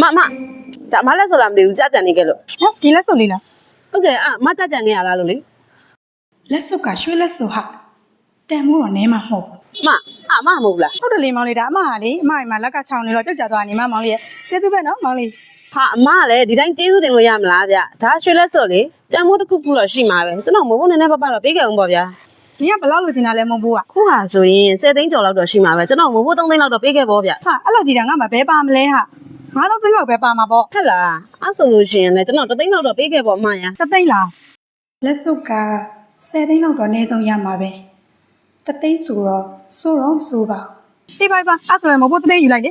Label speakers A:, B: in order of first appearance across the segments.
A: ဒါမလက်ဆိုလားမသိဘူးကြာကြံနေခဲ့လို့
B: ဟမ်ဒီလက်စုပ်လေးလား
A: ဟုတ်တယ်မကြာကြံနေရလားလို့လေ
B: လက်စုပ်ကရွှေလက်စုပ်ဟာတန်မိုးတော့နဲမှာမဟုတ်ဘူး
A: မမမဟုတ်လား
B: ဟုတ်တယ်လေမောင်လေးဒါအမဟာလေအမအိမ်မှာလက်ကချောင်းနေတော့ပြုတ်ကျသွားနေမှာမောင်လေးရဲ့ကျေးဇူးပဲနော်မောင်လေး
A: ဟာအမကလည်းဒီတိုင်းကျေးဇူးတင်လို့ရမလားဗျဒါရွှေလက်စော်လေတန်မိုးတစ်ခုခုတော့ရှိမှာပဲကျွန်တော်မဟုတ်ဘူးနည်းနည်းပါပါတော့ပေးခဲ့အောင်ပေါ့ဗျာ
B: ဒီကဘယ်လောက်လိုချင်တာလဲမဟုတ်ဘူးက
A: ခုဟာဆိုရင်10သိန်းကျော်လောက်တော့ရှိမှာပဲကျွန်တော်မဟုတ်ဘူး3သိန်းလောက်တော့ပေးခဲ့ပေါ့ဗျာ
B: ဟာအဲ့လောက်ကြီးတာငါမှဘဲပါမလဲဟာ9000သိန်းလောက်ပဲပါမှာပေါ့
A: ဟဲ့လားအဲ့ဆိုလို့ရှိရင်လည်းကျွန်တော်3သိန်းလောက်တော့ပေးခဲ့ပေါ့အမညာ
B: တသိန်းလားလက်စုပ်က10သိန်းလောက်တော့အနည်းဆုံးရမှာပဲတသိန်းဆိုတော့မဆိုပါအေးပါအဲ့ဆိုရင်မဟုတ်ဘူးတသိန်းယူလိုက်လေ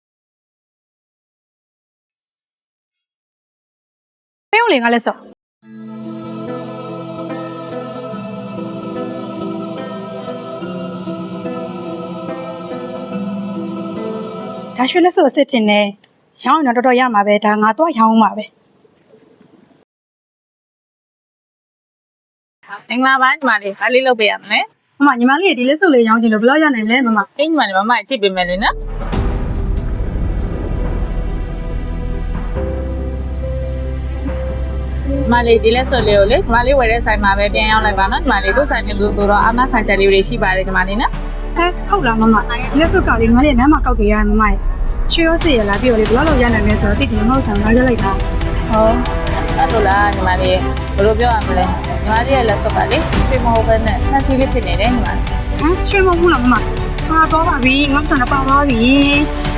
B: ပေးဦးလေငါလက်စုပ်ဒါရွှေလက်စုပ်အစ်စ်တင်နေရောင်းရင်တော့တော်တော်ရမှာပဲဒါငါတော့ရောင်းမှာပဲ
C: မင်္ဂလာပါညီမလေးဘာလေးလုပ်ပေးရမလဲ
B: မမညီမလေးဒီလက်စုပ်လေးရောင်းချင်လို့ဘယ်လောက်ရနိုင်လဲမမ
C: အိမ်ညီမလေးမမကြည့်ပေးမယ်လေနော်မလေးဒီလက်စွပ်လေးကိုလေညီမလေးဝယ်တဲ့ဆိုင်မှာပဲပြန်ရောက်လိုက်ပါနော်ညီမလေးသူ့ဆိုင်နဲ့သူဆိုတော့အမခံချက်လေးတွေရှိပါတယ်ညီမလေးနော်
B: ဟဲ့ဟုတ်လားမမဒီလက်စုပ်ကလေးညီမလေးနမ်းမကောက်ပေးရမမရဲ့ရွှေရောစစ်ရလားပြီးတော့လေဘယ်လောက်ရနိုင်လဲဆိုတော့တိကျမဟုတ်ဆန်လာရလိုက်တာ
C: ဟုတ်အဲ့လိုလားညီမလေးဘယ်လိုပြောရမလဲညီမလေးရဲ့လက်စွပ်ကလေရွှေမဟုတ်ဘဲနဲ့ဆန်စီလေးဖြစ်နေတယ်ညီမလေး
B: ဟမ်ရွှေမဟုတ်ဘူးလားမမဟာတော့ပါပြီငါ့ဆန်တော့ပါသွားပြီ